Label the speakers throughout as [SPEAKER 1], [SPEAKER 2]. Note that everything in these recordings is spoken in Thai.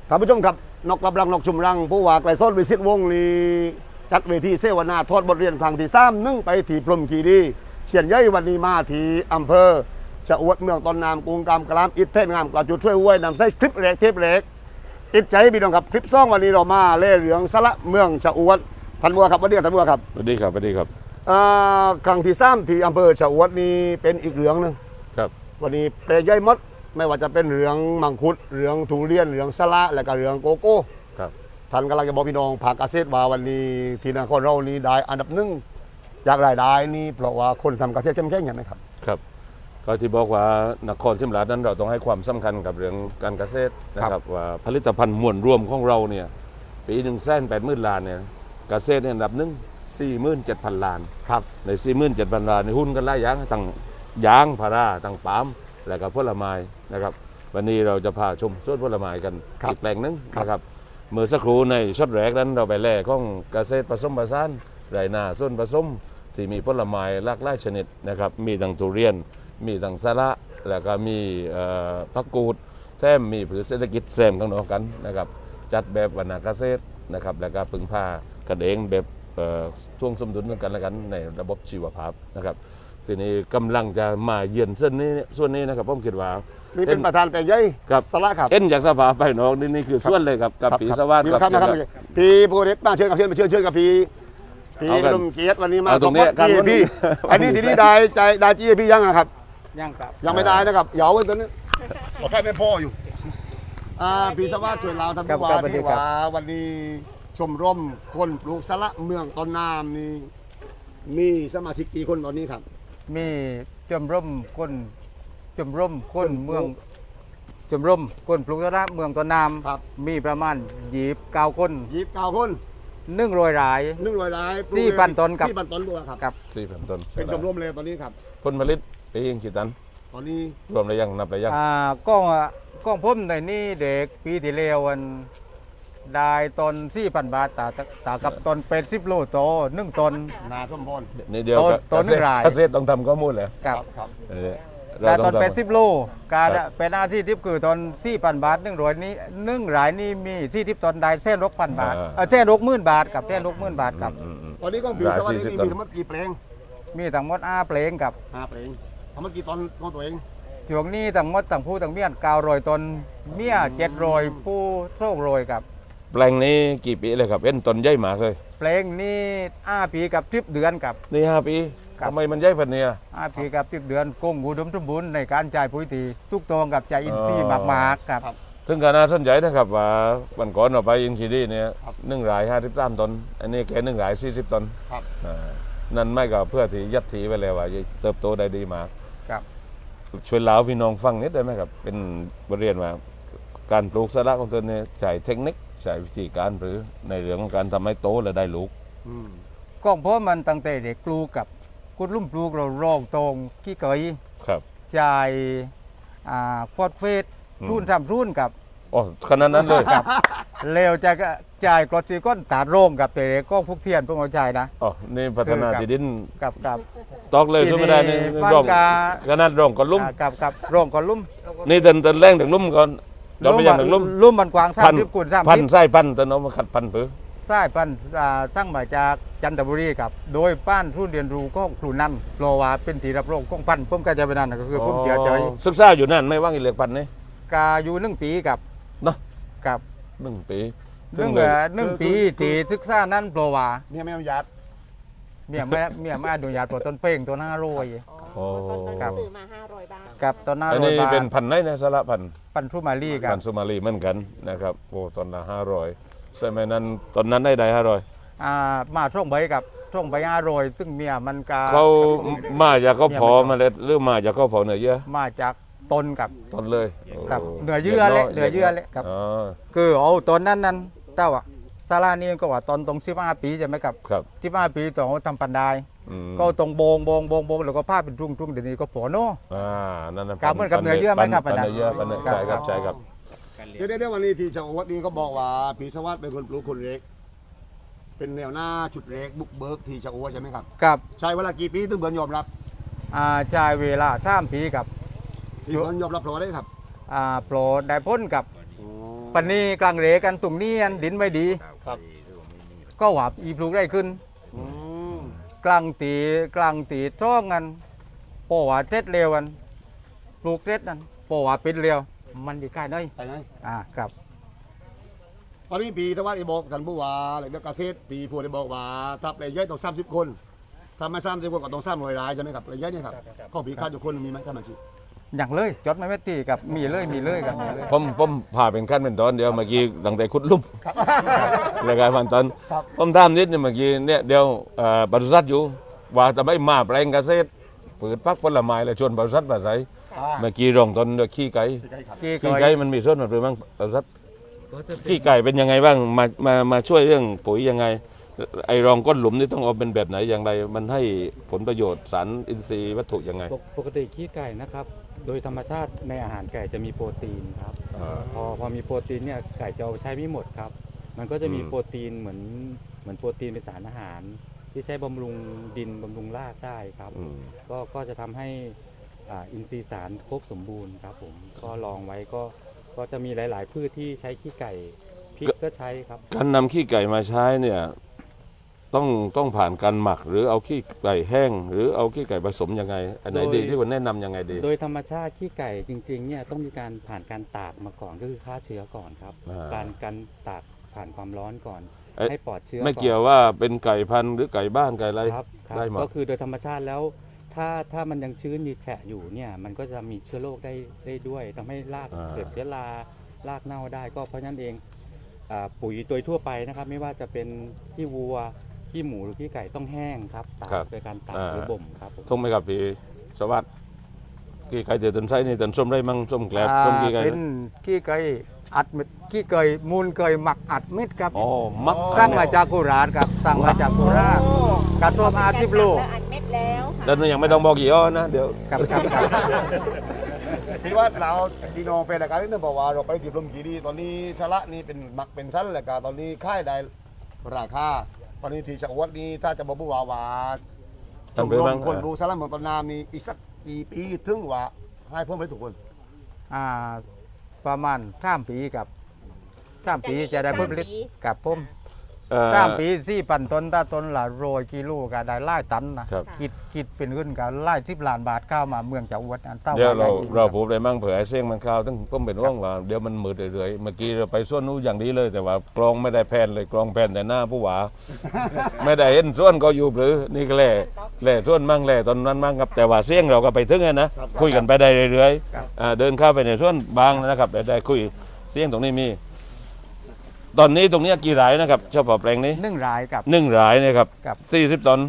[SPEAKER 1] ท่านผู้ชมครับนกกำลังนกชุมรังผู้ว่าไกลส้นวิสิตวงศ์นี้จัดเวทีเสวนาทอดบทเรียนครั้งที่3นึ่งไปที่พรหมคีรีเชียนย่อยวันนี้มาที่อำเภอชะอวดเมืองตอนนามกรุงกำกลามอิฐเพชรงามกระจุดช่วยห้วยนำใส่คลิปเล็กเทปเล็กอิดใจพี่น้องครับคลิปซ่องวันนี้เรามาเล่เหลืองสละเมืองชะอวดท่านบัวครับวันนี้ท่านบัวครับ
[SPEAKER 2] สวัสดีครับสวัสดีครับ
[SPEAKER 1] ครั้งที่3ที่อำเภอชะอวดนี้เป็นอีกเหลืองนึง
[SPEAKER 2] ครับ
[SPEAKER 1] วันนี้เปรย์ย่อยมดไม่ว่าจะเป็นเหลืองมังคุดเหลืองทุเรียนเหลืองสละและก็เหลืองโกโก้
[SPEAKER 2] ครับ
[SPEAKER 1] ท่านกำลังจะบอกพี่น้องภาคเกษตรว่าวันนี้ที่นครเรานี้ได้อันดับหนึ่งจากรายได้นี่เพราะว่าคนทำเกษตรเข้มแข็งอย่างไรครับ
[SPEAKER 2] ครับก็ที่บอกว่านครศรีธรรมราชนั้นเราต้องให้ความสำคัญกับเรื่องการเกษตรนะครับว่าผลิตภัณฑ์มวลรวมของเราเนี่ยปี180,000 ล้านเนี่ยเกษตรเนี่ยอันดับหนึ่ง47,000 ล้าน
[SPEAKER 1] ครับ
[SPEAKER 2] ใน 47,000 ล้านในหุ้นกันหลายอย่างทั้งยางพาราทั้งปาล์มและก็ผลไม้นะครับวันนี้เราจะพาชมสวนผลไม้กันอีกแปลงหนึงนะครับเมื่อสักครู่ในช็อตแรกนั้นเราไปแล่ของเกษตรผสมผสานไรนาส้นผสมที่มีผลไม้หลากหลายชนิดนะครับมีทั้งทุเรียนมีทั้งสาระแล้วก็มีผักกูดแถมมีผืนเศรษฐกิจแซมกันออกกันนะครับจัดแบบวรรณเกษตรนะครับแล้วก็พึ่งพากันเองแบบช่วงสมดุลกันและกันในระบบชีวภาพนะครับทีนี้กำลังจะมาเยือนส่วนนี้นะครับผมคิดว่า
[SPEAKER 1] นี่เป็นประธานแปลงย่อย
[SPEAKER 2] ครับ
[SPEAKER 1] สละครับ
[SPEAKER 2] เอ็นจากสภาไปน้องนี่คือส่วนเลยครับกับปีสวัสดิ์
[SPEAKER 1] ครับนะครับพี่ผู้เด็กมาเชิญกับเชิญกับพี่ลมเกียรติวันนี้มา
[SPEAKER 2] เอาตรงนี้
[SPEAKER 1] พี่พี่อันนี้ทีนี้ได้จี้พี่ยังอะครับ
[SPEAKER 3] ยังครับ
[SPEAKER 1] ยังไม่ได้นะครับเหยาไว้ตอนนี้บอกแค่ไม่พออยู่พี่สวัสดิ์ช่วยเราท่านผู้ว่าที่ว่าวันนี้ชมรมคนปลูกสละเมืองตอนนามนี่มีสมาชิกกี่คนตอนนี้ครับ
[SPEAKER 3] มีชมรมคนเมืองชมรมคนปลูกสละเมืองต้นน้
[SPEAKER 1] ครับ
[SPEAKER 3] ำมีประมาณ29 คน
[SPEAKER 1] 29 คน
[SPEAKER 3] 100 ราย
[SPEAKER 1] 100 ราย
[SPEAKER 3] 4,000 ต้นครับ
[SPEAKER 1] 4,000 ต้นด้วยครับ
[SPEAKER 3] กับ
[SPEAKER 2] 4,000 ต้น
[SPEAKER 1] เป็นชมรมเลยตอนนี้ครับ
[SPEAKER 2] ผลผลิตปียิงกี่ตัน
[SPEAKER 1] ตอนนี้
[SPEAKER 2] รวมได้ยังนับได้ยัง
[SPEAKER 3] ก้องผมในนี่เด็กปีที่แล้ววันได้ตน 4,000 บาทตากับตนเป็น10 โลโต1 ตน
[SPEAKER 1] นาส้มพร
[SPEAKER 2] นี่เดียว
[SPEAKER 3] ต้นหนึ่งราย
[SPEAKER 2] เกษตรต้องทำข้อมูลเลย
[SPEAKER 3] กับ
[SPEAKER 1] ครับ
[SPEAKER 3] แต่ตอน
[SPEAKER 2] ทำ
[SPEAKER 3] เป็น10 โลการเป็นอาชีพที่คือตอน 4,000 บาท100นี้1 รายนี่มี40 ตนได้1,600 บาท1,60,000 บาทกับ1,60,000 บาทกับ
[SPEAKER 1] ตอนนี้ก็ปีสวัสดิ์นี่มีทั้งหมดกี่เพลง
[SPEAKER 3] มีทั้งหมด5เพลงกับ
[SPEAKER 1] 5เพลงทั้งหมดกี่ตอนของตัวเอง
[SPEAKER 3] ช่วงนี้ทั้งหมดทั้งผู้ทั้งเมียน900 ตนเมีย700ผู้200กับ
[SPEAKER 2] แปลงนี้กี่ปีเลยครับเอ็นต้นใหญ่มากเลย
[SPEAKER 3] เพลงนี้5 ปีกับ10 เดือนกับ
[SPEAKER 2] นี่5 ปี
[SPEAKER 3] ครับ
[SPEAKER 2] ทำไมมันใหญ่พันเนี่ย
[SPEAKER 3] 5 ปีกับ10 เดือนคงอุดมสมบูรณ์ในการจ่ายปุ๋ยตีทุกตรงกับใจอินทรีย์มากๆกับ
[SPEAKER 2] ถึงขนาดสนใจนะครับว่าวันก่อนเราไปอินคีรีเนี่ย1 ราย 53 ต้นอันนี้แค่1 ราย 40 ต้น
[SPEAKER 1] ครับ
[SPEAKER 2] นั่นไม่ก็เพื่อที่ยัดถีไปแล้วว่าจะเติบโตได้ดีมาก
[SPEAKER 3] กับ
[SPEAKER 2] ช่วยเล่าพี่น้องฟังนิดได้ไหมครับเป็นบทเรียนว่าการปลูกสละของตนเนี่ยใช้เทคนิคใช้วิธีการหรือในเรื่องของการทำให้โตและได้ลูก
[SPEAKER 3] ก้องเพราะมันตั้งแต่เด็กปลูกกับกุดลุ่มปลูกเรารองตรงขี้เกย
[SPEAKER 2] ครับ
[SPEAKER 3] จ่ายฟอดเฟส
[SPEAKER 2] อืม
[SPEAKER 3] รุ่นทำรุ่นกับ
[SPEAKER 2] อ๋อขนาดนั้นเลย
[SPEAKER 3] กับเร็วจะจ่ายกรดซีก้อนตาโรงกับแต่ก็พวกเทียนพวกเอาใจนะ
[SPEAKER 2] อ๋อนี่พัฒนาที่ดิน
[SPEAKER 3] กับ
[SPEAKER 2] ตอกเลยใช่ไม่ได้นี่
[SPEAKER 3] ทีนี้บ้าน
[SPEAKER 2] ร่อง
[SPEAKER 3] กา
[SPEAKER 2] ขนาดร่องก่อนลุ่ม
[SPEAKER 3] กับโรงก่อนลุ่ม
[SPEAKER 2] นี่เตินแรงถึงลุ่มก่อนเราไม่ยังถึงลุ่ม
[SPEAKER 3] ลุ่มมันกว้าง30 คูณ
[SPEAKER 2] พัน
[SPEAKER 3] 30
[SPEAKER 2] ไส้พันเตินเอามาขัดพันผือ
[SPEAKER 3] สายพันธุ์สร้างมาจากจันทบุรีครับโดยป้านทุนเรียนรู้ของครูนั่นเพราะว่าเป็นที่รับรองของพันธุ์ผมก็จะไปนั่นก็คือผมเสียใจ
[SPEAKER 2] ศึกษาอยู่นั่นไม่ว่างอีเหล็กพันนี่
[SPEAKER 3] กาอยู่1 ปีกับ
[SPEAKER 2] เนาะ
[SPEAKER 3] กับ
[SPEAKER 2] 1 ปี
[SPEAKER 3] หนึ่งปีที่ศึกษานั้นเพราะว่า
[SPEAKER 1] เนี่ยไม่เอายัด
[SPEAKER 3] เมียไม่อนุญาตปลดต้นเพลงตัว500
[SPEAKER 2] โอ้
[SPEAKER 3] ครับ
[SPEAKER 4] ซื้อมา500 บาท
[SPEAKER 3] กับต้น
[SPEAKER 2] อันนี้
[SPEAKER 3] 500 บาท
[SPEAKER 2] เป็นพันไหนนะสละพัน
[SPEAKER 3] ปันทุมารีครั
[SPEAKER 2] พั
[SPEAKER 3] บ
[SPEAKER 2] นสุมาลีเหมือนกันนะครับโอ้ตอนละ500ใช่ไหมนั้นตอนนั้นได้500
[SPEAKER 3] มาช่วงใบกับช่วงใบ500ซึ่งเมียมันกา
[SPEAKER 2] เขามาจากเขาพอเมาเล็ดหรือมาจากเขาพอเนื้อเยื่อ
[SPEAKER 3] มาจากต้นกับ
[SPEAKER 2] ต้นเลย
[SPEAKER 3] กับ
[SPEAKER 2] โ
[SPEAKER 3] เนื้อเยื่อเละเนื้อเยื่อเละครับ
[SPEAKER 2] อ๋อ
[SPEAKER 3] คือเอาต้นนั้นแต่ว่าซาลานี่ก็ว่าตอนตรง15 ปีใช่ไหมครับ
[SPEAKER 2] ครับ
[SPEAKER 3] 15 ปีต่อทำปันได้
[SPEAKER 2] อืม
[SPEAKER 3] ก็ตรงโบงแล้วก็ผ้าเป็นรุ่งเดี๋ยวนี้ก็ฝอโน่
[SPEAKER 2] นั่นนะ
[SPEAKER 3] ครับเหมือนกับเนื้อเยื่อไหมครับ
[SPEAKER 2] ปันเนื้อเยื่อปันเนื้อ
[SPEAKER 3] ครับ
[SPEAKER 2] ใช่ครับใช่ครับ
[SPEAKER 1] เดี๋ยววันนี้ที่ชาววัดนี้ก็บอกว่าปีสวัสดิ์เป็นคนปลูกคนเล็ก เป็นแนวหน้าจุดเล็กบุกเบิกที่ชาววัดใช่ไหมครับ
[SPEAKER 3] กับ
[SPEAKER 1] ใช้เวลากี่ปีถึงเบิร์นยอมรับ
[SPEAKER 3] จ่ายเวลา3 ปีกับ
[SPEAKER 1] ที่เบิร์นยอมรับเพราะอะไรครับ
[SPEAKER 3] โปรดได้พ้นกับ
[SPEAKER 1] อ๋อ
[SPEAKER 3] ปันนี้กลางเรกันตรงนี้อันดินไม่ดี
[SPEAKER 1] ครับ
[SPEAKER 3] ก็หวาบอีปลูกได้ขึ้น
[SPEAKER 1] อืม
[SPEAKER 3] กลางตีช่องกันปอว่าเจ็ดเร็วกันปลูกเจ็ดนั่นปอว่าเป็นเร็วมันดีใกล้น้อย
[SPEAKER 1] ไปไหน
[SPEAKER 3] ครับ
[SPEAKER 1] ตอนนี้ปีทว่าไอ้บอกท่านผู้ว่าอะไรเรื่องเกษตรปีพูดได้บอกว่าถ้าเปลยย่อยต้อง30 คนถ้าไม่30 คนก็ต้อง300 รายใช่ไหมครับเปลยย่อยเนี่ยครับข้อปีค่าทุกคนมีไหมท่านบัญชี
[SPEAKER 3] อย่างเลยจดไม่ไม่ตีกับมีเลยกับมีเลย
[SPEAKER 2] ผมพาเป็นขั้นเป็นตอนเดียวเมื่อกี้ตั้งแต่ขุดหลุ่มรายการพันตอน
[SPEAKER 1] ครับ
[SPEAKER 2] ผมถามนิดนึงเมื่อกี้เนี่ยเดี๋ยวปศุสัตว์อยู่ว่าจะไม่มาแปลงเกษตรผืนพักผลไม้และชวนปศุสัตว์มาใส่เมื่อกี้รองตนด้วยขี้ไก่
[SPEAKER 3] กี่
[SPEAKER 2] ขี้
[SPEAKER 3] ก่
[SPEAKER 2] ไก่มันมีส่วนมันเป็นบ้างปศุสัตว์ขี้ไก่เป็นยังไงบ้างมาช่วยเรื่องปุ๋ยยังไงไอ้รองก้นหลุมนี่ต้องเอาเป็นแบบไหนอย่างไรมันให้ผลประโยชน์สารอินทรีย์วัตถุยังไง
[SPEAKER 4] ปกติขี้ไก่นะครับ โดยธรรมชาติในอาหารไก่จะมีโปรตีนครับ พอมีโปรตีนเนี่ยไก่จะเอาใช้ไม่หมดครับ มันก็จะมีโปรตีนเหมือนโปรตีนเป็นสารอาหาร ที่ใช้บำรุงดินบำรุงรากได้ครับ ก็จะทำให้อินทรีย์สารครบสมบูรณ์ครับผมก็ลองไว้ก็จะมีหลาย ๆ พืชที่ใช้ขี้ไก่พริกก็ใช้ครับ
[SPEAKER 2] การนำขี้ไก่มาใช้เนี่ยต้องผ่านการหมักหรือเอาขี้ไก่แห้ง หรือเอาขี้ไก่ผสมยังไงอันไหนดีที่คุณแนะนำยังไงดี
[SPEAKER 4] โดยธรรมชาติขี้ไก่จริงๆเนี่ยต้องมีการผ่านการตากมาก่อนก็คือฆ่าเชื้อก่อนครับ การตากผ่านความร้อนก่อน ให้ปลอดเชื้อ
[SPEAKER 2] ไม่
[SPEAKER 4] ก่อน
[SPEAKER 2] เกี่ยวว่าเป็นไก่พันธุ์หรือไก่บ้านไก่อะไร
[SPEAKER 4] ครับ
[SPEAKER 2] ได้หมด
[SPEAKER 4] ก็คือโดยธรรมชาติแล้วถ้ามันยังชื้นอยู่แฉะอยู่เนี่ยมันก็จะมีเชื้อโรคได้ด้วยทำให้รากเกิดเชื้อรารากเน่าได้ก็เพราะฉะนั้นเองปุ๋ยโดยทั่วไปนะครับ ไม่ว่าจะเป็นขี้วัวขี้หมูหรือขี้ไก่ต้องแห้งครับตากโดยการตากหรือบ่มครับผม
[SPEAKER 2] ทุ่งไหมครับพี่สวัสดิ์ขี้ไก่เดือดต้นไส้นี่ต้นส้มได้มั่งส้มแกลบส้มขี้ไก่
[SPEAKER 3] เป็นขี้ไก่อัดเม็ดขี้ไก่มูลไก่หมักอัดเม็ดครับ
[SPEAKER 2] อ๋อมัก
[SPEAKER 3] สั่งมาจากโคราชครับสั่งมาจากโคราชกระทรวง50 โล
[SPEAKER 5] อัดเม็ดแล้วค่ะ
[SPEAKER 2] แล้วยังไม่ต้องบอกกี่อ้อนะเดี๋ยว
[SPEAKER 3] ครับ
[SPEAKER 1] พี่ว่าเราดีน้องแฟนรายการที่นั่นบอกว่าเราไปที่พรหมคีรีตอนนี้ชะละนี่เป็นหมักเป็นชั้นแล้วก็ตอนนี้ค่ายได้ราคาตอนนี้ที่จังหวัดนี้ถ้าจะบอกผู้ว่าช
[SPEAKER 2] ทำ
[SPEAKER 1] ม
[SPEAKER 2] ไป
[SPEAKER 1] ร
[SPEAKER 2] บ้าง
[SPEAKER 1] มคนดูสารเมืองต้นน้ำนี่อีกสักกี่ปีถึงว่าให้เพิ่มให้ทุกคน
[SPEAKER 3] ประมาณ3 ปีกับ3 ปีจะได้ผลผลิตกับผม 3 ปี4,000 ต้นถ้าต้นละ100 กิโลก็ได้หลายตันนะครับ คิดเป็นเงินก็หลาย10 ล้านบาทเข้ามาเมืองจังหวัดอันเต้า
[SPEAKER 2] เดี๋ยว
[SPEAKER 3] ได้จง
[SPEAKER 2] เราพูดได้มั่งเผื่อไอ้เสียงมันเข้าวตั้งผมเป็นว่างว่าเดี๋ยวมันมืดเรื่อยๆเมื่อกี้เราไปส่วนนู้นอย่างนี้เลย แต่ว่ากลองไม่ได้แผ่นเลยกลองแผ่นแต่หน้าผู้ว่า ไม่ได้เห็นส่วนก็อยู่หรือนี่ก็แหล่ส่วนมั่งแหล่ตอนนั้นมั่งครับแต่ว่าเสียงเราก็ไปถึงนะคุยกันไปได้เรื่อยๆเดินเข้าไปในส่วนบางนะครับได้คุยเสียงตรงนี้มี ตอนนี้ตรงนี้กี่รายนะครับเฉพาะแปลงนี้
[SPEAKER 3] 1 รายกับ
[SPEAKER 2] 1 รายนะครับ
[SPEAKER 3] ครับ
[SPEAKER 2] 40 ตน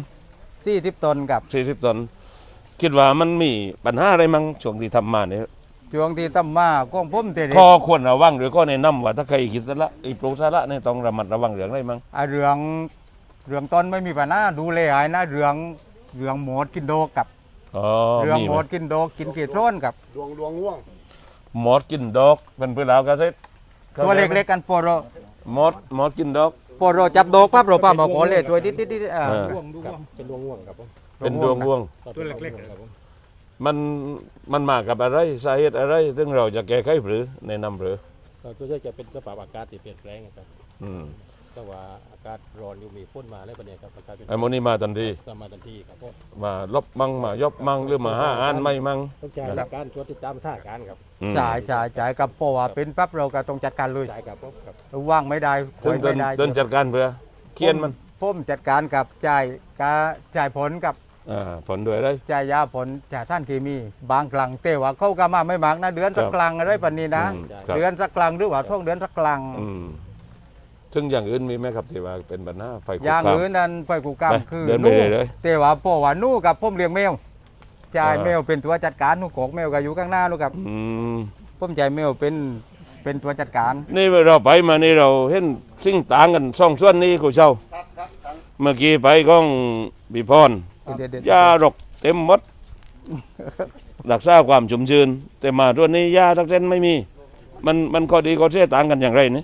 [SPEAKER 3] 40 ต้นกับ
[SPEAKER 2] 40 ตน คิดว่ามันมีปัญหาอะไรมั่งช่วงที่ทำมาเนี่ย
[SPEAKER 3] ช่วงที่ตั้มมาของผมเตเด็
[SPEAKER 2] ข้อควรระวังหรือข้อแนะนำว่าถ้าใครคิดสละปลูกสละเนี่ยต้องระมัดระวังเรื่องอะไรมั่ง
[SPEAKER 3] เรื่องต้นไม่มีปัญหาดูแลหายนะเรื่องหมดกินโดกกับ
[SPEAKER 2] อ๋อ
[SPEAKER 3] เรื่อง
[SPEAKER 2] มี
[SPEAKER 3] ห
[SPEAKER 2] ไห
[SPEAKER 3] ม
[SPEAKER 2] ม
[SPEAKER 3] ดกินโดกกินเกล็ดร้อนกับ
[SPEAKER 1] ดวงง่วง
[SPEAKER 2] หมดกินดอกเป็นพืชแล้วก็เสร็จ
[SPEAKER 3] ตัวเล็กๆกันโปโร
[SPEAKER 2] หมดกินดอก
[SPEAKER 3] โปโรจับโดกปั๊บเราปั๊บมาขอเลยตัวดิด
[SPEAKER 2] เป็นดวงง่วง
[SPEAKER 6] ตัวเล็กๆครับผม
[SPEAKER 2] มันมากับอะไรสาเหตุอะไรซึ่งเราจะแก้ไขหรือแนะนำหรือ
[SPEAKER 6] ตัวนี้จะเป็นสภาพอากาศที่เปลี่ยนแปลงครับ
[SPEAKER 2] อืม
[SPEAKER 6] แต่ว่าอากาศร้อนอยู่มีฝนมาแล้วปะเนี่ยครับอากาศเป็น
[SPEAKER 2] ไอ้โมนี่มาทันที
[SPEAKER 6] ตามมาทันทีครับเพราะ
[SPEAKER 2] มาลบมั่งมายบมั่งหรือมาห้าอันไม่มั่ง
[SPEAKER 6] ต้องใช้หลักการตรวจติดตามท่าการครับ
[SPEAKER 2] อืม
[SPEAKER 3] จ่ายกับโปว่าเป็นปั๊บเราก็ต้องจัดการเลย
[SPEAKER 6] ใช่ครับผมครับ
[SPEAKER 3] ว่างไม่ได้ค
[SPEAKER 2] ซึ่
[SPEAKER 3] อง ย
[SPEAKER 2] เดิน
[SPEAKER 3] ไม่ได้
[SPEAKER 2] เดินจัดการเพื่อเคียนมัน
[SPEAKER 3] ผมจัดการกับจ่ายผลกับ
[SPEAKER 2] ผลด้วยได้
[SPEAKER 3] จ่ายยาผลจ่ายสารเคมี บางครั้งแต่ว่าเขาก็มาไม่มากนะเดือนสัก
[SPEAKER 2] ครับ
[SPEAKER 3] กลางอะไรปานนี้นะ
[SPEAKER 2] ครับ
[SPEAKER 3] เดือนสักกลางหรือว่าช่วงเดือนสักกลาง
[SPEAKER 2] อืมซึ่งอย่างอื่นมีไหมครับที่ว่าเป็นปัญหาไฟคุก
[SPEAKER 3] อย่าง
[SPEAKER 2] คาม
[SPEAKER 3] อื่นนั้นไปกูกรรม
[SPEAKER 2] ไป
[SPEAKER 3] คือ
[SPEAKER 2] เดินไป
[SPEAKER 3] นู่
[SPEAKER 2] เลย
[SPEAKER 3] แต่ว่าพ่อว่านู่กับผมเลี้ยงแมวจ่าย
[SPEAKER 2] อ่า
[SPEAKER 3] แมวเป็นตัวจัดการนู่กอกแมวก็อยู่ข้างหน้านู่กับ
[SPEAKER 2] อืม
[SPEAKER 3] ผมจ่ายแมวเป็นตัวจัดการ
[SPEAKER 2] นี่เราไปมานี่เราเห็นสิ่งต่างกันสองส่วนนี้กูเช่าเมื่อกี้ไปก้องบีพร
[SPEAKER 3] เด็ด
[SPEAKER 2] ยารกเต็มหมดรักษาความชุ่มชื้นแต่มาตัวนี้ยาทักเส้นไม่มี มันข้อดีข้อเสียต่างกันอย่างไรนี่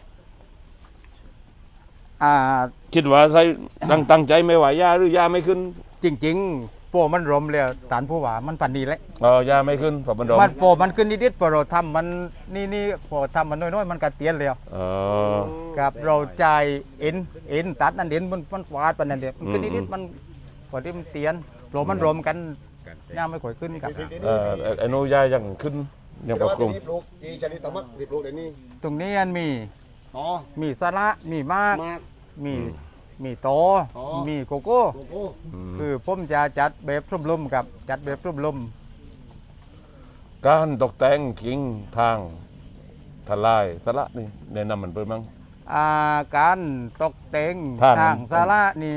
[SPEAKER 3] อ่า
[SPEAKER 2] คิดว่าใครตั้งใจไม่ไหวยาหรือยาไม่ขึ้น
[SPEAKER 3] จริงๆโปมันรมเลยตานผู้ว่ามันปันดีเลย
[SPEAKER 2] ยาไม่ขึ้นเพราะมันร้อน
[SPEAKER 3] มันโปมันขึ้นนิดๆพอเราทำมันนี่พอทำมันน้อยๆมันกระเตียนเลย
[SPEAKER 2] อ๋อ
[SPEAKER 3] ครับเราจ่ายเอ็นตัดนั่นเอ็นมันฟาดปานนั่นเดียวมันขึ้นนิดๆมันพอที่มันเตียนโปมันรมกันย่าไม่ค่อยขึ้นครับ
[SPEAKER 2] ไอ้นู้ยายังขึ้นยังปรับปรุง
[SPEAKER 1] รีบลูกอีชนิดตะมัดรีบลูกเดี๋ยวนี้
[SPEAKER 3] ตรงนี้อันมี
[SPEAKER 1] ต่อ
[SPEAKER 3] มีสาระมีมาก
[SPEAKER 1] มาก
[SPEAKER 3] มีโต
[SPEAKER 1] อ๋อ
[SPEAKER 3] มีโกโก้
[SPEAKER 1] โอ้โห
[SPEAKER 3] คือผมจะจัดแบบรุ่มลมครับจัดแบบรุ่มลม
[SPEAKER 2] การตกแต่งกิ่งทางทลายสละนี่แนะนำมันเปิดมั้ง
[SPEAKER 3] การตกแต่ง
[SPEAKER 2] ท่านั้น
[SPEAKER 3] ทางสาระนี่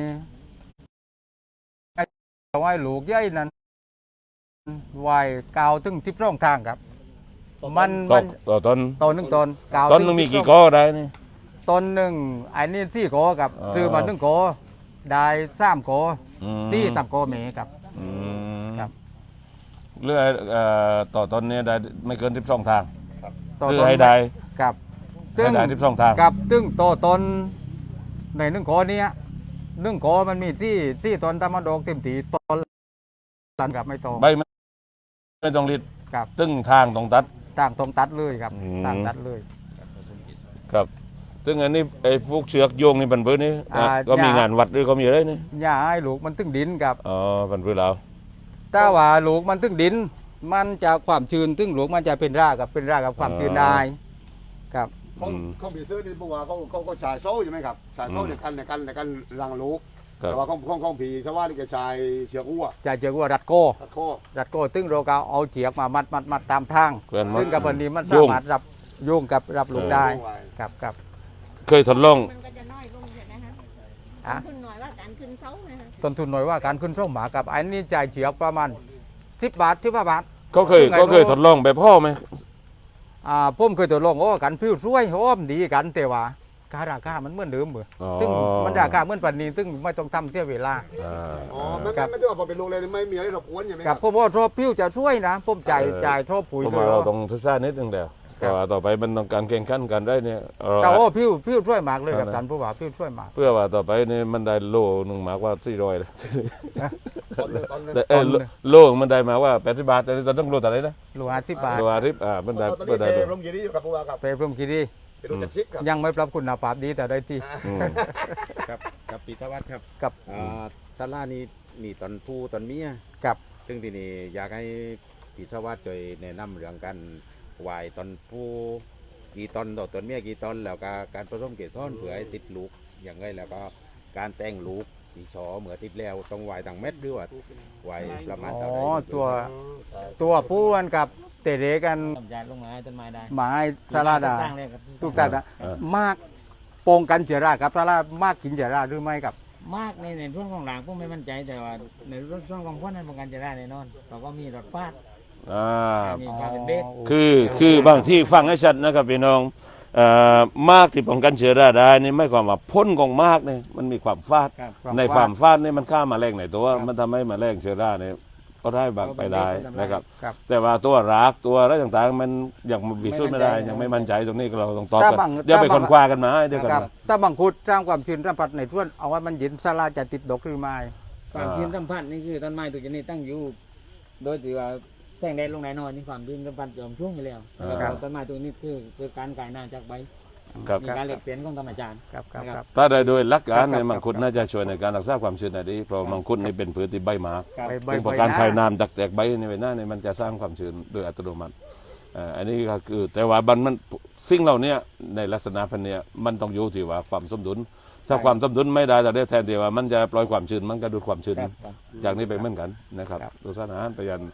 [SPEAKER 3] เอาไว้ลูกใหญ่นั้นไว้กาวถึง12ทางครับ มัน
[SPEAKER 2] ต่อต้น
[SPEAKER 3] ต้นหนึ่งต้นกาว
[SPEAKER 2] ต้นนึงมีกี่ก้อได้นี่
[SPEAKER 3] ต้นหนึ่งไอ้นี่4 โกครับ
[SPEAKER 2] อ๋อ
[SPEAKER 3] ซื้อมา1 โกได้3 โก
[SPEAKER 2] อืม
[SPEAKER 3] 3 โกเมครับ
[SPEAKER 2] อืม
[SPEAKER 3] ครับ
[SPEAKER 2] เรื่อยต่อต้นเนี่ยได้ไม่เกิน12ทาง
[SPEAKER 3] ต่อ
[SPEAKER 2] เพื่
[SPEAKER 3] ต้
[SPEAKER 2] อน ให้ได้
[SPEAKER 3] ครับ
[SPEAKER 2] ให้ได้12ทาง
[SPEAKER 3] กับตึ้งโตต้นใน1 โกเนี้ย1 โกมันมีสี่ต้นตามมาดอกเต็มทีต้นตันกับไม่โต
[SPEAKER 2] ใบไม่ต้องรีด
[SPEAKER 3] ครับ
[SPEAKER 2] ตึ้งทางตรงตัด
[SPEAKER 3] ต่างตรงตัดเลยครับ
[SPEAKER 2] อืม
[SPEAKER 3] ต่างตัดเลย
[SPEAKER 2] ครับ ซึ่งอันนี้ไอ้พวกเชือกโยงนี่บันพื้นนี่ ก็มี
[SPEAKER 3] ยาง
[SPEAKER 2] งานวัดหรือก็มีอะไรนี่
[SPEAKER 3] หญ้าให้ลูกมันตึงดินครับ
[SPEAKER 2] อ๋อบันพื้นเรา
[SPEAKER 3] ถ้าว่าลูกมันตึงดิน มันจะความชื้นตึงลูกมันจะเป็นรากกับความชื้นได้ครับ
[SPEAKER 1] เขาบีซื้อนี่พวกว่าเขาฉายโซ่อยู่ไหมครับฉายโซ่ในการรังลูก
[SPEAKER 2] ครับ
[SPEAKER 1] แต่ว่าของผีชาวบ้านนี่แกชายเชือกอ้ว
[SPEAKER 3] จะเจอว่ารัดโก้
[SPEAKER 1] ตัดข้อ
[SPEAKER 3] รัดโก้ตึงเราก็เอาเฉียกมามัดตามทาง
[SPEAKER 2] เพื่อนมั
[SPEAKER 3] ซึ่
[SPEAKER 2] น
[SPEAKER 3] งกับวันนี้มัน
[SPEAKER 2] โย
[SPEAKER 3] สาง มารถโยงกับรับลูกได้
[SPEAKER 1] ไว้
[SPEAKER 3] ครับ
[SPEAKER 2] เคยทดลอง
[SPEAKER 5] มันก็จะน้อยลงใช่ไหมคะ
[SPEAKER 3] อ่ะ
[SPEAKER 5] ขึ้นหน่อยว่าการขึ้นเสานะคะ
[SPEAKER 3] ต้นทุนหน่อยว่าการขึ้นช่องหมากับอันนี้จ่ายเฉียกประมาณ10 บาท15 บาท
[SPEAKER 2] เขาเคย
[SPEAKER 3] ซึ่งไง
[SPEAKER 2] เขาเคยทดลองแบบพ่อไหม
[SPEAKER 3] ผมเคยทดลองโอ้กันพิ้วช่วยโอ้มดีกันแต่ว่าการราคามันเหมือนเดิมเหมือน
[SPEAKER 2] อ๋อ
[SPEAKER 3] ซึ่งมันราคาเหมือนปันนี้ซึ่งไม่ต้องทำเสียเวลา
[SPEAKER 2] อ่า
[SPEAKER 1] อ๋อไม่ต้องพอเป็นลูกเลยไม่มีอะไรรบกวนใช่ไหมค
[SPEAKER 3] กั
[SPEAKER 1] รั
[SPEAKER 3] บบ ผมว่าชอบพิ้วจะช่วยนะผมจ่ายชอบปุ๋ย
[SPEAKER 2] ผม
[SPEAKER 3] ด้ว
[SPEAKER 2] ว่าย เราต้องศึกษานิดนึงเดียว
[SPEAKER 3] ครั
[SPEAKER 2] เพ
[SPEAKER 3] บ
[SPEAKER 2] ราะว่าต่อไปมันต้องการแข่งขันกันได้เนี่ย
[SPEAKER 3] แต่โอ้พิ้วช่วยมากเลยกับ
[SPEAKER 2] นั่นนะ
[SPEAKER 3] ท่านผู้ว่าพิ้วช่วยมาก
[SPEAKER 2] เพื่อว่าต่อไปนี่มันได้โลหนึ่งมากกว่า400เลย
[SPEAKER 1] ตอนเลย
[SPEAKER 2] แต่โลมันได้มาว่า80 บาทแต่ตอนต้องโลแต่ไหนนะ
[SPEAKER 3] โล50 บาท
[SPEAKER 2] โลอาทิตย์มันได้
[SPEAKER 1] ตอน
[SPEAKER 2] มั
[SPEAKER 1] นี้
[SPEAKER 2] นได้
[SPEAKER 1] เป
[SPEAKER 2] โล
[SPEAKER 1] รมยีนี่อยู่กับพวกเราครับ
[SPEAKER 3] ไปพรมคีรี
[SPEAKER 1] เป็นลูกจัดชิกครับ
[SPEAKER 3] ยังไม่ปรับคุณภาพดีแต่ได้ที่
[SPEAKER 2] อืม
[SPEAKER 6] ครับกับปีตวัฒน์ครับ
[SPEAKER 3] กับ
[SPEAKER 6] ตลาดนี้มีตอนผู้ตอนเมีย
[SPEAKER 3] กับ
[SPEAKER 6] ซึ่งทีนี้อยากให้ปีตวัฒน์ช่วยแนะนำเรื่องการไหวตอนผู้กี่ตอนต่อตอนเมียกี่ตอนแล้วก็การผสมเกสรเผื่อให้ติดลูกอย่างไรแล้วก็การแต่งลูกปีชอเหมือนทิพแล้วต้องไหวต่างเม็ดหรือว่าไหวประมาณ
[SPEAKER 3] อ๋
[SPEAKER 6] เท่า
[SPEAKER 3] อ
[SPEAKER 6] ไหร่
[SPEAKER 3] ตัวผู้กันกับเตะเรกัน
[SPEAKER 5] ทำยาลงไม้ต้นไม้ได้
[SPEAKER 3] หมายสาราดา
[SPEAKER 5] ตั้งเลยครับ
[SPEAKER 3] ทุกท่านนะมากปงกันเจอรากับสารามากกินเจอราหรือไม่กับ
[SPEAKER 5] มากในช่วงของหลังผมไม่มั่นใจแต่ว่าในช่วงของพ้นนั้นป้องกันจะได้แน่นอนเราก็มีรถฟาด
[SPEAKER 2] อ่า
[SPEAKER 5] มีฟาดเป็นเบ็ด
[SPEAKER 2] คือบางที่ฟังให้ชัดนะครับพี่น้องมากที่ป้องกันเชื้อราได้นี่ไม่ความว่าพ่นของมากเนี่ยมันมีความฟาด
[SPEAKER 5] ครับ
[SPEAKER 2] ในความฟาดนี่มันฆ่าแมลงในตัวมันทำให้แมลงเชื้อราเนี่ยก็ได้บางไปได้นะครับ
[SPEAKER 3] ครับ
[SPEAKER 2] แต่ว่าตัวรากตัวอะไรต่างๆ มันยังวิสูจน์ไม่ได้ยังไม่มั่นใจตรงนี้เราต้องตอบ
[SPEAKER 3] ถ้า
[SPEAKER 2] กัน
[SPEAKER 3] บาง
[SPEAKER 2] เดี๋ยวไป
[SPEAKER 3] ถ้าบาง
[SPEAKER 2] คนคว้ากันมาเดี๋ยวกัน
[SPEAKER 3] ครับ
[SPEAKER 2] มา
[SPEAKER 3] ถ้าบังคุดสร้างความชื้นสัมผัสในท่วนเอาไว้มันเย็นสาราจะติดดอกหรือไม่
[SPEAKER 5] ความชื้นสัมผัสนี่คือต้นไม้ตัวชนิดตั้งอยู่ โดยที่ว่าแสงแดดลงแน่นอนนี่ความชื้นสัมผัสจอมช่วงอยู่แล้วแล้วต้นไม้ตัวนี้คือการกลายน้ำจากใบ
[SPEAKER 2] ครับ
[SPEAKER 5] มีการเปลี่ยนเปลี่ยนของธรรมชาติ
[SPEAKER 3] ครับครับครับ
[SPEAKER 2] ถ้าได้โดยหลักการ
[SPEAKER 3] ครั
[SPEAKER 2] ใน
[SPEAKER 3] บ
[SPEAKER 2] มังคุดน่าจะช่วยในการรักษาความชื้นได้ดีเพราะมังคุดนี่เป็นพืชที่ใบหมาก
[SPEAKER 3] ใบ
[SPEAKER 2] ซึ่งพอการคายน้ำจากแตกใบในใบหน้าเนี่ยมันจะสร้างความชื้นโดยอัตโนมัติอันนี้ก็คือแต่ว่ามันสิ่งเหล่านี้ในลักษณะพันเนี้ยมันต้องอยู่ที่ว่าความสมดุลถ้าความสมดุลไม่ได้แต่ได้แทนที่ว่ามันจะปล่อยความชื้นมันก็ดูดความชื้น
[SPEAKER 5] ครับ
[SPEAKER 2] จากนี้ไปเหมือนกันนะครับดูสารอาหารไปยัน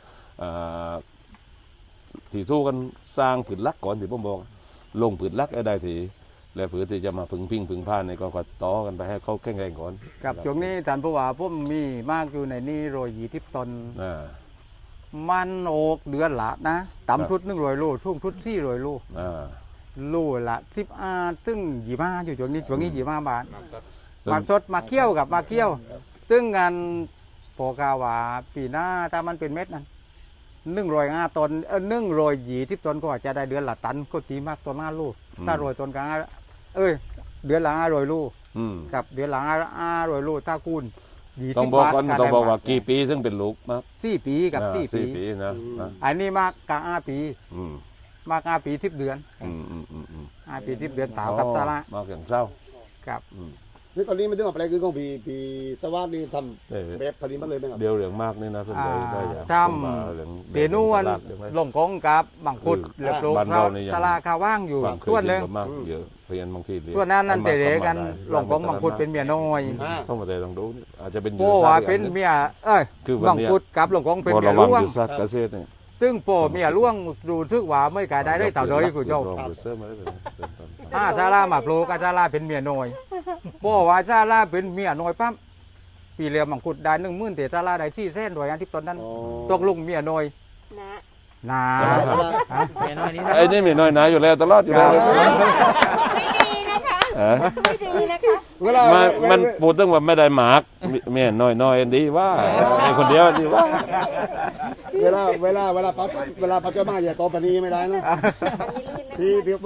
[SPEAKER 2] ที่ทู่กันสร้างผืนลักก่อนที่ผมบอกลงผืนลักให้ได้ทีและผืนที่จะมาพึ่งพิงพึ่งผ้าเนี่ยก็ต่อกันไปให้เขาแข็งแรงก่อน
[SPEAKER 3] กับช่วงนี้ท่านผู้ว่าผมมีมากอยู่ในนี่120 ตน
[SPEAKER 2] อ่า
[SPEAKER 3] มันโอกเดือนละนะต่ำชุด100 โลช่วงชุด400 โล
[SPEAKER 2] อ่า
[SPEAKER 3] โลละ15ตึ้ง25อยู่ช่วงนี้25 บาท
[SPEAKER 2] ซึ่ง
[SPEAKER 3] มาสดมาเคี่ยวกับมาเคี่ยวตึ้งงานโปกาว่าปีหน้าถ้ามันเป็นเม็ดนั้น105 ตน120 ตนก็อาจจะได้เดือนละตันก็ตีมากตัว5 ลูกถ้า100 ตนก็เดือนละ500 ลูก
[SPEAKER 2] อืม
[SPEAKER 3] กับเดือนละ500 ลูกถ้าคูณ
[SPEAKER 2] ต้องบอกก่อนต้องบอกว่ากี่ปีถึงเป็นลูกมาก
[SPEAKER 3] 4 ปีกับ 4 ปี
[SPEAKER 2] 4 ปีนะนะ
[SPEAKER 3] อันนี้มากกะ5 ปี
[SPEAKER 2] อืม
[SPEAKER 3] มาก5 ปี10 เดือน 5 ปี10 เดือนตาวกับซาระ
[SPEAKER 2] มากอย่างเศร้า
[SPEAKER 3] ครับ
[SPEAKER 1] นี่ตอนนี้มันถึงมาแปลคือของปีสวัสดิ์นี่ท
[SPEAKER 2] เออ
[SPEAKER 1] ำแบบผลิตมาเลยไหมครับ
[SPEAKER 2] เดียวเหลืองมากนี่นะสนใจได้อย่าง
[SPEAKER 3] จำเตนูวันลงกงกับบังคุดเหลือโปร
[SPEAKER 2] บ้านเรานี่ยัง
[SPEAKER 3] ซาระคาว่างอยู่
[SPEAKER 2] ความเคย
[SPEAKER 3] ส่วนหนึ่ง
[SPEAKER 2] ชิก็มากเยอะเรียนบางทีเรีย
[SPEAKER 3] ส่วนนั้นนั่นเตะกัน
[SPEAKER 2] ประมาณ
[SPEAKER 3] ลงกงบังคุดเป็นเมียน้อย
[SPEAKER 2] เข้ามาแต่ลองดูนี่อาจจะเป็น
[SPEAKER 3] โป้ว่าเป็นเมียบังคุดกับลงกงเป็น
[SPEAKER 2] พอ
[SPEAKER 3] เมีย
[SPEAKER 2] ระวัง
[SPEAKER 3] ล่วง
[SPEAKER 2] อยู่สัตว์เกษตรนี่
[SPEAKER 3] ซึ่งโป้เมียล่วงดูซึกว่าไม่กายได้เต่าโดยผู้เจ้า
[SPEAKER 2] ลองดูเสื้อมาได้เลย
[SPEAKER 3] ซาร่ามาโปรกับซาร่าเป็นเมียน้อยโป้ว่าซาร่าเป็นเมียน้อยปั๊บปีเรียมังคุดได้10,000แต่ซาร่าได้400,000ด้วยอันที่ตอนนั้นตกลุงเมียน้อยนา
[SPEAKER 5] แม่น้อยนี้นะ
[SPEAKER 2] ไอ้นี่มีน้อยหนาอยู่แล้วตลอดอยู่แล้ว
[SPEAKER 7] ไม่ดีนะคะ
[SPEAKER 2] เออ
[SPEAKER 7] ไม่ดีนะคะ
[SPEAKER 1] เวลา
[SPEAKER 2] มันพูดถึงว่าไม่ได้หมากเมียน้อยดีว่าไอ้คนเดียวดีว่า
[SPEAKER 1] เวลาปัจจุบันอย่าโตปานนี้ไม่ได้นะพี่เดียว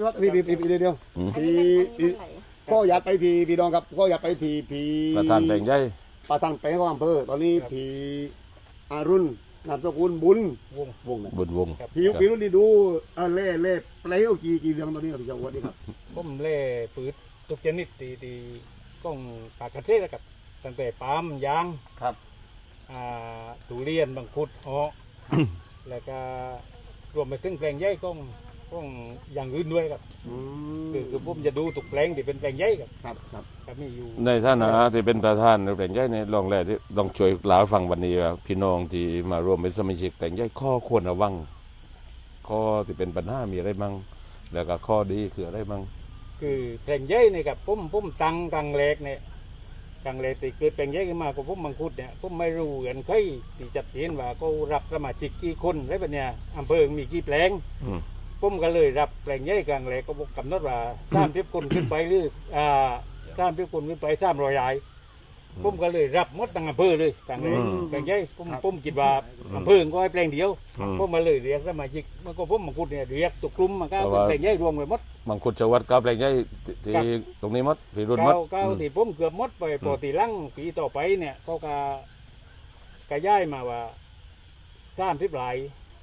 [SPEAKER 1] พี่ก็อยากไปทีพี่ดองครับก็อยากไปทีพี่
[SPEAKER 2] ประธานแบ่งใหญ่
[SPEAKER 1] ประธานแปลงของอำเภอตอนนี้พี่อารุณนามสกุลบุญวงนะ
[SPEAKER 2] บุญวง
[SPEAKER 1] พี่รุ่นนี่ดูเล่เปลวกี่เรื่องตอนนี้ครับพี่เจ้าวัดนี่ครับ
[SPEAKER 8] ผมเล่ปืดทุกชนิดตีก้องปากกระเทศกับตั้งแต่ปาล์มยาง
[SPEAKER 1] ครับ
[SPEAKER 8] ทุเรียนบางคุดเหาะ แล้วก็รวมไปถึงแปลงใหญ่ก้องอย่างอื่นด้วยครับคือผมจะดูทุกแปลงที่เป็นแปลงใหญ่ครับ
[SPEAKER 1] ครับ
[SPEAKER 8] ก็มีอยู่
[SPEAKER 2] ในฐานะที่เป็นประธานแบ่งใหญ่ในลองแรกที่ลองช่วยเล่าให้ฟังวันนี้ว่าพี่น้องที่มารวมเป็นสมาชิกแบ่งใหญ่ข้อควรระวังข้อที่เป็นปัญหามีอะไรบ้างแล้วก็ข้อดีคืออะไรบ้าง
[SPEAKER 8] คือแปลงใหญ่เนี่ยครับผมตั้งกลางแรกเนี่ยกลางแรกที่เกิดแปลงใหญ่ขึ้นมาก็ผมบางคุดเนี่ยผมไม่รู้กันใครที่จัดเจนว่าเขารับสมาชิกกี่คนอะไรแบบเนี้ยอำเภอมีกี่แปลง ผมก็เลยรับแปลงใหญ่กลางแรกก็กำหนดว่า30 คนขึ้นไปหรือ30 คนขึ้นไป300 รายผมก็เลยรับหมดตั้งอำเภอเลยกลางแรกแปลงใหญ่ผมคิดว่าอำเภอก็ให้แปลงเดียวผมมาเลยเรียกสมาชิกมันก็ผมบางคุดเนี่ยเรียกตุกกลุ่มมันก็เป็นแปลงใหญ่รวมไปหมด
[SPEAKER 2] บางคนจะวัดกับแรงใหญ่ที่ตรงนี้หมดที่รุ่นหมด
[SPEAKER 8] เก้าที่ผมเกือบหมดไปปกติลังปีต่อไปเนี่ยเขาก็ย้ายมาว่า30 ราย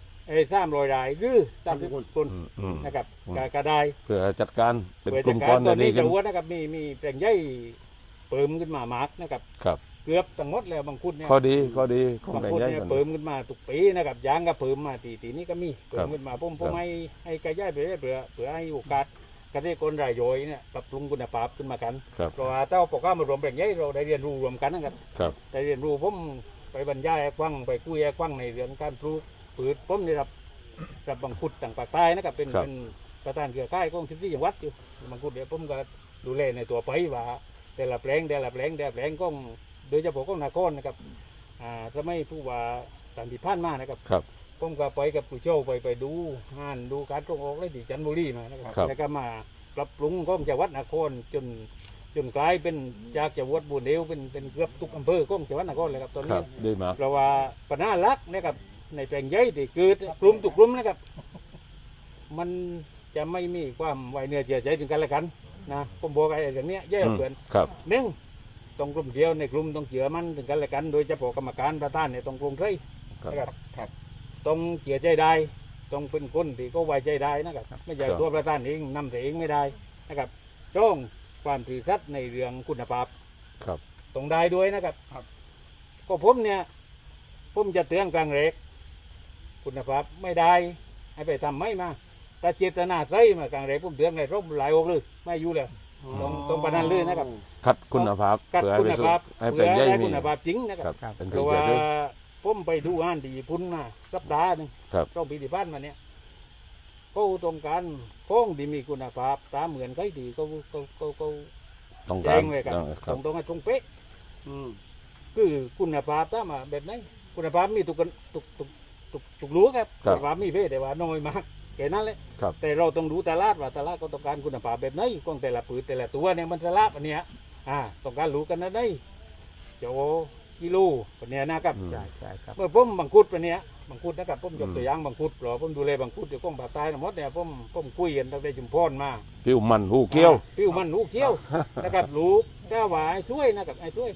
[SPEAKER 8] 300 รายหรือ30 คนนะครับก็ได้
[SPEAKER 2] เพื่อจัดการเป็นกลุ่ม
[SPEAKER 8] จัด
[SPEAKER 2] ก้อน
[SPEAKER 8] ตอน
[SPEAKER 2] ดี
[SPEAKER 8] นี้
[SPEAKER 2] ขึ้
[SPEAKER 8] จะ
[SPEAKER 2] น
[SPEAKER 8] ว่านะครับมีแปลงใหญ่เปิมขึ้นมามากนะครับ
[SPEAKER 2] ครับ
[SPEAKER 8] เกือบทั้งหมดแล้วบางคุดเนี่ย
[SPEAKER 2] ข้อดีของ
[SPEAKER 8] บาง
[SPEAKER 2] แรง
[SPEAKER 8] คุด
[SPEAKER 2] ใหญ่
[SPEAKER 8] เนี่ย
[SPEAKER 2] มัน
[SPEAKER 8] เปิมขึ้นมาทุกปีนะครับยางก็เปิมมาตีนี้ก็มีเปิมขึ้นมาผมให้กระย้ายไปเรื่อยเพื่อให้โอกาสเกษตรกรรายย่อยเนี่ยปรับปรุงคุณภาพขึ้นมากัน
[SPEAKER 2] ครับ
[SPEAKER 8] เพราะว่าถ้าปกติมารวมแปลงใหญ่เราได้เรียนรู้รวมกันนะครับ
[SPEAKER 2] ครับ
[SPEAKER 8] ได้เรียนรู้ผมไปบรรยายให้ฟังไปคุยให้ฟังในเรื่องการปลูกพืชผมได้รับบังคุดต่างปากใต้นะครับเป็นประธานเครือข่ายของ14จังหวัดอยู่บังคุดเดี๋ยวผมก็ดูแลในตัวไปว่าแต่ละแปลงของโดยเฉพาะของนครนะครับจะไม่ผู้ว่าตันติพันมานะครับ
[SPEAKER 2] ครับ
[SPEAKER 8] ผมก็ไปกับผู้โชว์ไปดูงานดูการส่งออกเลยที่จันทบุรีมานะครับ
[SPEAKER 2] ครับ
[SPEAKER 8] แล้วก็มาปรับปรุงของจังหวัดนครจนกลายเป็นจากจังหวัดบุญเดียวเป็นเกือบทุกอำเภอของจังหวัดนครเลยครับตอน
[SPEAKER 2] ครั
[SPEAKER 8] นี้
[SPEAKER 2] บดีมาก
[SPEAKER 8] เพราะว่าปัญหาหลักนะครับในแปลงใหญ่ที่เกิดกลุ่มทุกกลุ่มนะครับ มันจะไม่มีความไว้เนื้อเชื่อใจถึงกันและกันนะผมบอกไอ้อย่างเนี้ยแย่เกิน
[SPEAKER 2] ครับ
[SPEAKER 8] หนึ่งต้องกลุ่มเดียวในกลุ่มต้องเชื่อมันถึงกันและกัน โดยเฉพาะกรรมการประธานเนี่ยต้องกลุ่มใคร
[SPEAKER 2] ครับ
[SPEAKER 8] นะครับต้องเชื่อใจได้ต้องเป็นคนที่ก็ไว้ใจได้นะครับไม่ใช่ตัวประธานเองนำแต่เองไม่ได้นะครับจ้องความถือสัตย์ในเรื่องคุณภาพ
[SPEAKER 2] ครับ
[SPEAKER 8] ต้องได้ด้วยนะครับ ก็ผมเนี่ยผมจะเตือนกลางเรกคุณภาพไม่ได้ให้ไปทำไม่มาแต่เจตนาใส่มากลางเรกผมเตือนเลยร่มหลายอกเลยไม่อยู่เลยตรงประนันเลยนะครับ
[SPEAKER 2] คัดคุณภาพ
[SPEAKER 8] กัด
[SPEAKER 2] เพื่อให้
[SPEAKER 8] คุ
[SPEAKER 2] ไป
[SPEAKER 8] ณ
[SPEAKER 2] สู่
[SPEAKER 8] ภาพ
[SPEAKER 2] ให้
[SPEAKER 8] เพื่
[SPEAKER 2] เป็น
[SPEAKER 8] อ
[SPEAKER 2] ใหญ่
[SPEAKER 8] ได้
[SPEAKER 2] มี
[SPEAKER 8] คุณภาพจริงนะค
[SPEAKER 2] ครั
[SPEAKER 8] รั
[SPEAKER 2] บบ เป็น
[SPEAKER 8] เพ
[SPEAKER 2] ที่
[SPEAKER 8] ราะ
[SPEAKER 2] เชื่
[SPEAKER 8] ว่า
[SPEAKER 2] อถือ
[SPEAKER 8] ผมไปดูงานที่ญี่ปุ่นมาสัปดาห์หนึง
[SPEAKER 2] ครับ
[SPEAKER 8] ต้องปีที่ผ่านมาเนี่ยเขาต้องการข้องที่มีคุณภาพตามเหมือนใครที่เขา
[SPEAKER 2] ต้อง
[SPEAKER 8] แจ้
[SPEAKER 2] การ
[SPEAKER 8] งเลยครับ
[SPEAKER 2] ครั
[SPEAKER 8] ต
[SPEAKER 2] บ
[SPEAKER 8] รงให้ตรงเป๊ะคือคุณภาพถ้ามาแบบไหนคุณภาพมีทุกรู้ครับ
[SPEAKER 2] ครั
[SPEAKER 8] คุ
[SPEAKER 2] บ
[SPEAKER 8] ณภาพมีเพ่แต่ว่าน้อยมากแค่นั้นแหละ
[SPEAKER 2] ครับ
[SPEAKER 8] แต่เราต้องดูตลาดว่าตลาดก็ต้องการคุณภาพแบบไหนของแต่ละพืชแต่ละตัวเนี่ยมันตลาดอันเนี้ยต้องการรู้กันนะได้โจกิโลอันเนี้ยนะครับ
[SPEAKER 3] ใช่ใช่ครับ
[SPEAKER 8] เมื่อผมบังคุดอันเนี้ยบังคุดนะครับผมยกตัวอย่างบังคุดเพราะผมดูแลบังคุดอยู่กองภาคใต้ทั้งหมดเนี่ยผมคุยกันตั้งแต่จุมพรมา
[SPEAKER 2] ผิวมันหูเกี้ยว
[SPEAKER 8] ปิ้วมันลูกเกี้ยวนะครับลูกแต่ว่าไอ้ช่วยนะครับไอ้ช่วย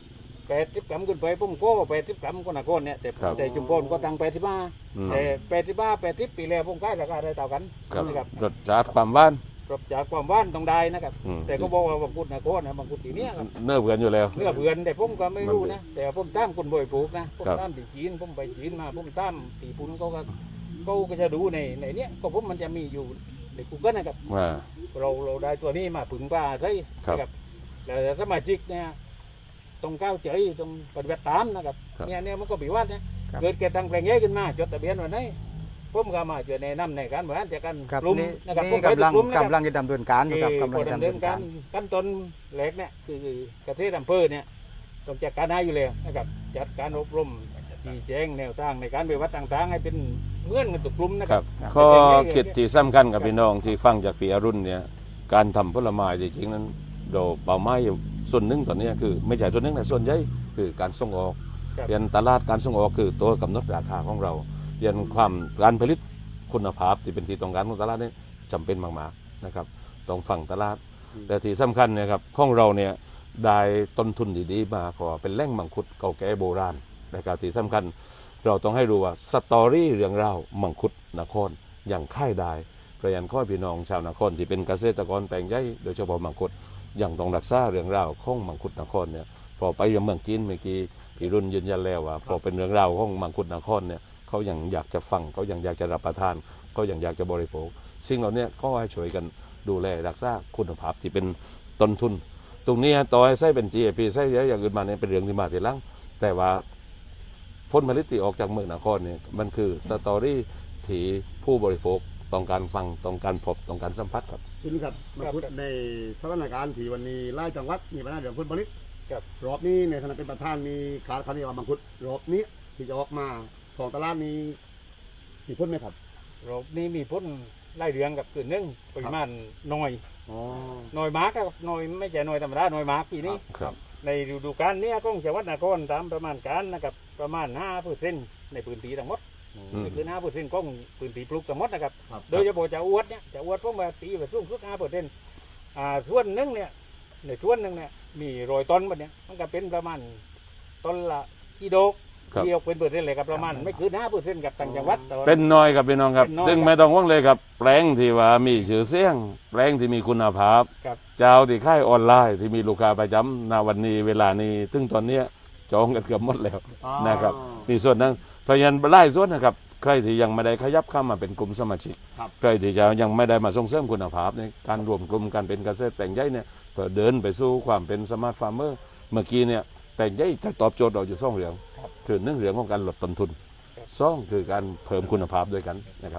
[SPEAKER 8] 80 กรัมขึ้นไปผมก็80 กรัมก็หนักก้นเนี่ยแต่ชุมพรก็ตั้ง85แต่80 ปีแล้วผมขายราคาได้เท่ากัน
[SPEAKER 2] ครับ
[SPEAKER 8] นะครับ
[SPEAKER 2] รสชาติความหว่าน
[SPEAKER 8] ปรับจากความหว่านต้องได้นะครับ แต่ก็บอกว่าบางคุดนะโคตรนะบางคุดตีเนี้ยครับ
[SPEAKER 2] เนื้อเบือนอยู่แล้ว
[SPEAKER 8] เนื้อเบือนแต่ผมก็ไม่รู้นะแต่ผมตามคนบ่อยปลูกนะผม
[SPEAKER 2] ครับ
[SPEAKER 8] ตามตีจีนผมไปจีนมาผมตามตีปุ่นเขาก็จะดูในเนี้ยก็ผมมันจะมีอยู่ใน Google นะครับ
[SPEAKER 2] อ่า
[SPEAKER 8] เราได้ตัวนี้มาผึ่งป่าใช่
[SPEAKER 2] ครับ
[SPEAKER 8] นะครับแล้วสมาชิกเนี่ยตรงก้าวเฉยตรงปฏิบัติตามนะครับ
[SPEAKER 2] ครับ
[SPEAKER 8] เนี่ยมันก็ปีวัดนะครับ เกิดแก่ทางแปลงเงี้ยขึ้นมาจดทะเบียนวันไหนผมก็มาเจอแนะนำในการบริหารจัดการ
[SPEAKER 3] ครับ
[SPEAKER 8] กลุ่ม
[SPEAKER 3] นี่
[SPEAKER 8] นะครับ
[SPEAKER 3] นี่
[SPEAKER 8] ผมไปทุกกลุ่มนะครับ
[SPEAKER 3] กำลังจะดำเนินการอยู่ครับกำลังจะ
[SPEAKER 8] ดำ
[SPEAKER 3] ดำ
[SPEAKER 8] เนิ
[SPEAKER 3] เนิ
[SPEAKER 8] น
[SPEAKER 3] น
[SPEAKER 8] กา
[SPEAKER 3] การ ร
[SPEAKER 8] ขั้นตอนแรกเนี่ยคือเกษตรอำเภอเนี่ยต้องจัดการให้อยู่แล้วนะครับจัดการอบรมชี้แจงแนวทางในการปฏิบัติต่างๆให้เป็นเหมือนกันทุกกลุ่มนะ
[SPEAKER 2] ค
[SPEAKER 8] ค
[SPEAKER 2] รั
[SPEAKER 8] รั
[SPEAKER 2] บบ ข้อคิดที่สำคัญกับพี่น้องที่ฟังจากพี่อรุณเนี่ยการทำผลไม้จริงๆนั้นเราเป้าหมายอยู่ส่วนหนึ่งตอนนี้คือไม่ใช่ส่วนหนึ่งนะส่วนใหญ่คือการส่งออก
[SPEAKER 8] ครับ
[SPEAKER 2] เรียนตลาดการส่งออกคือตัวกำหนดราคาของเราเรียนความการผลิตคุณภาพที่เป็นที่ต้องการของตลาดนี่จำเป็นมากๆนะครับต้องฟังตลาดแต่ที่สำคัญเนี่ยครับของเราเนี่ยได้ต้นทุนดีๆมาเพราะว่าเป็นแหล่งมังคุดเก่าแก่โบราณนะครับที่สำคัญเราต้องให้รู้ว่าสตอรี่เรื่องราวมังคุดนครอย่างค่ายได้กระยันข้อพี่น้องชาวนครที่เป็นเกษตรกรแปลงใหญ่โดยเฉพาะมังคุดอย่างต้องรักษาเรื่องราวของมังคุดนครเนี่ยพอไปยังเมืองจีนเมื่อกี้พี่รุ่นยืนยันแล้วว่าพอเป็นเรื่องราวของมังคุดนครเนี่ยเขายังอยากจะฟังเขายังอยากจะรับประทานเขายังอยากจะบริโภคสิ่งเหล่านี้ก็ให้ช่วยกันดูแลรักษาคุณภาพที่เป็นต้นทุน ตรงนี้ต่อให้ใช้เป็น GAP ใช้อย่างอื่นมาเนี่ยเป็นเรื่องที่มาทีหลังแต่ว่าผลผลิตที่ออกจากเมืองนครเนี่ยมันคือสตอรี่ที่ผู้บริโภคต้องการฟังต้องการพบต้องการสัมผัสครับ
[SPEAKER 1] คุณครับมาพูดในสถานการณ์ที่วันนี้ไล่จังหวัดมีปัญหาเรื่องผลผลิต
[SPEAKER 8] ครับ
[SPEAKER 1] รอบนี้ในฐานะเป็นประธานมีการคัดเลือกมังคุดรอบนี้ที่จะออกมาของตลาดนี้มีพ้นไหมครับ
[SPEAKER 8] รอบนี้มีพ้นไล่เรืองกับคือหนึ่งปริมาณน้อย
[SPEAKER 1] อ๋อ
[SPEAKER 8] น้อยมากครับน้อยไม่ใช่น้อยธรรมดาน้อยมากปีนี้
[SPEAKER 2] ครับ
[SPEAKER 8] ในฤดูกาลเนี้ของจังหวัดนครตามประมาณการนะครับประมาณ 5% ในพื้นที่ทั้งหมด นี่คือ 5% ของพื้นที่ปลูกทั้งหมดนะครับ
[SPEAKER 1] ครับ
[SPEAKER 8] โดยเฉพาะจะอวดเนี่ยจะอวดพวกมาตีไปสูงสุด 5%ส่วนหนึงเนี่ยในส่วนหนึ่งเนี่ยมี100 ต้นแบบเนี้ยมันก็เป็นประมาณต้นละกิโล
[SPEAKER 2] ครับ
[SPEAKER 8] ที่ออกเป็นเปอร์เซ็นต์เลยครับประมาณไม่เกิน 5%กับต่างจังหวัดแต่ว่า
[SPEAKER 2] เป็นน้อยครับพี่น้องครับ
[SPEAKER 8] เป็นน้อย
[SPEAKER 2] ซึ่งไม่ต้องห่วงเลยครับแปลงที่ว่ามีชื่อเสียง แปลงที่มีคุณภาพ
[SPEAKER 8] ครับ
[SPEAKER 2] เจ้าที่ค่ายออนไลน์ที่มีลูกค้าประจำณวันนี้เวลานี้ถึงตอนเนี้ยจองกันเกือบหมดแล้ว
[SPEAKER 1] อ๋อ
[SPEAKER 2] นะครับมีส่วนนั้นเพราะฉะนั้นไล่ส่วนนะครับใครที่ยังไม่ได้ขยับเข้ามาเป็นกลุ่มสมาชิก
[SPEAKER 1] ครับ
[SPEAKER 2] ใครที่จะยังไม่ได้มาส่งเสริมคุณภาพในการรวมกลุ่มการเป็นเกษตรแปลงใหญ่เนี่ยเพื่อเดินไปสู่ความเป็นสมาร์ทฟาร์มเมอร์เมื่อกี้เนี่ยแปลงใหญ่จะตอบโจทย์เราอยู่2 เรื่องคือ1 เรื่องของการลดต้นทุน2 คือการเพิ่มคุณภาพด้วยกันนะครับ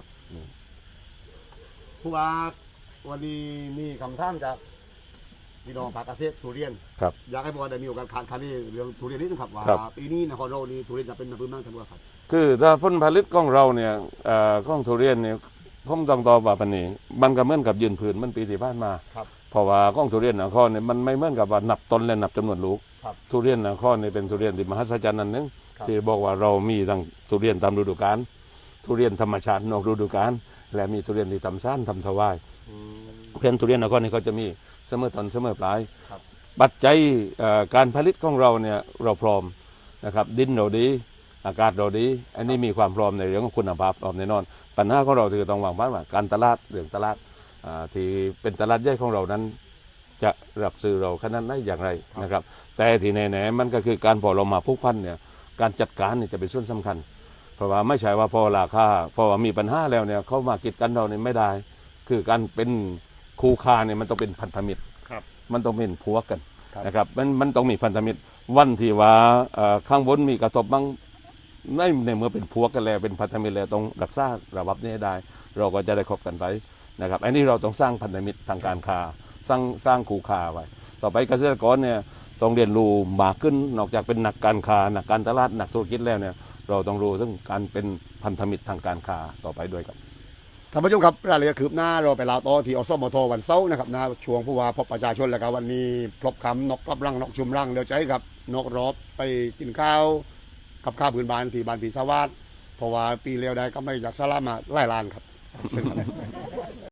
[SPEAKER 1] ผู้ว่าวันนี้มีคำถามจากพี่น้องภาคเกษตรทุเรียน
[SPEAKER 2] ครับ
[SPEAKER 1] อยากให้ผู้ว่าได้มีโอกาสคันนี้เรื่องทุเรียนนิดนึงครับว่า
[SPEAKER 2] ครับ
[SPEAKER 1] ปีนี้นครเรานี่ทุเรียนจะเป็นมาพื้นบ้างทั้งหมดครับ
[SPEAKER 2] คือถ้าผลผลิตของเราเนี่ยของทุเรียนเนี่ยผมต้องตอบว่าปานนี้มันก็เหมือนกับยืนผืนมันปีที่ผ่านมา
[SPEAKER 1] ครับ
[SPEAKER 2] เพราะว่าของทุเรียนนครเนี่ยมันไม่เหมือนกับว่านับต้นและนับจำนวนลูก
[SPEAKER 1] ครับ
[SPEAKER 2] ทุเรียนนครเนี่ยเป็นทุเรียนที่มหัศจรรย์อันหนึง
[SPEAKER 1] ครับ
[SPEAKER 2] ที่บอกว่าเรามีทั้งทุเรียนตามฤดูกาลทุเรียนธรรมชาตินอกฤดูกาลและมีทุเรียนที่ทำซ่านทำถวายเพียงทุเรียนนครนี่เขาจะมีเสมอต้นเสมอปลาย
[SPEAKER 1] ครับ
[SPEAKER 2] ปัจจัยการผลิตของเราเนี่ยเราพร้อมนะครับดินเราดีอากาศเราดี อันนี้มีความพร้อมในเรื่องของคุณภาพพร้อมแน่นอนปัญหาของเราคือต้องวางแผนว่าการตลาดเรื่องตลาดที่เป็นตลาดใหญ่ของเรานั้น จะรับซื้อเราขนาดไหนอย่างไรนะครับ แต่ที่แน่ๆมันก็คือการพอเรามาผูกพันเนี่ยการจัดการเนี่ยจะเป็นส่วนสำคัญ เพราะว่าไม่ใช่ว่าพอราคาพอว่ามีปัญหาแล้วเนี่ยเขามากิดกันเราเนี่ยไม่ได้ คือการเป็นคู่ค้าเนี่ยมันต้องเป็นพันธมิตร
[SPEAKER 1] ครับ
[SPEAKER 2] มันต้องเป็นพวกกัน
[SPEAKER 1] ครับ
[SPEAKER 2] นะครับมันต้องมีพันธมิตรวันที่ว่าข้างบนมีกระทบบ้างในเมื่อเป็นพวกกันแล้วเป็นพันธมิตรแล้วต้องรักษาระบบนี้ให้ได้ เราก็จะได้คบกันไปนะครับอันนี้เราต้องสร้างพันธมิตรทางการค้าสร้างคู่ค้าไว้ ต่อไปเกษตรกรเนี่ยต้องเรียนรู้มากขึ้นนอกจากเป็นนักการค้านักการตลาดนักธุรกิจแล้วเนี่ยเราต้องรู้เรื่องการเป็นพันธมิตรทางการค้าต่อไปด้วยครับ
[SPEAKER 1] ท่านผู้ชมครับรายละเอียดคืบหน้าเราไปลาวต่อที่อสมทวันเสาร์นะครับนะช่วงผู้ว่าพบประชาชนแล้วก็วันนี้พบคำนกรับรังนกชุมรังเดี๋ยวใจกับนกรอบไปกินข้าวกับข้าวพื้นบ้านที่บ้านผีสวัสดเพราะว่าปีเลี้ยวได้ก็ไม่อยากสละมาไล่ลานครับเชิญครับ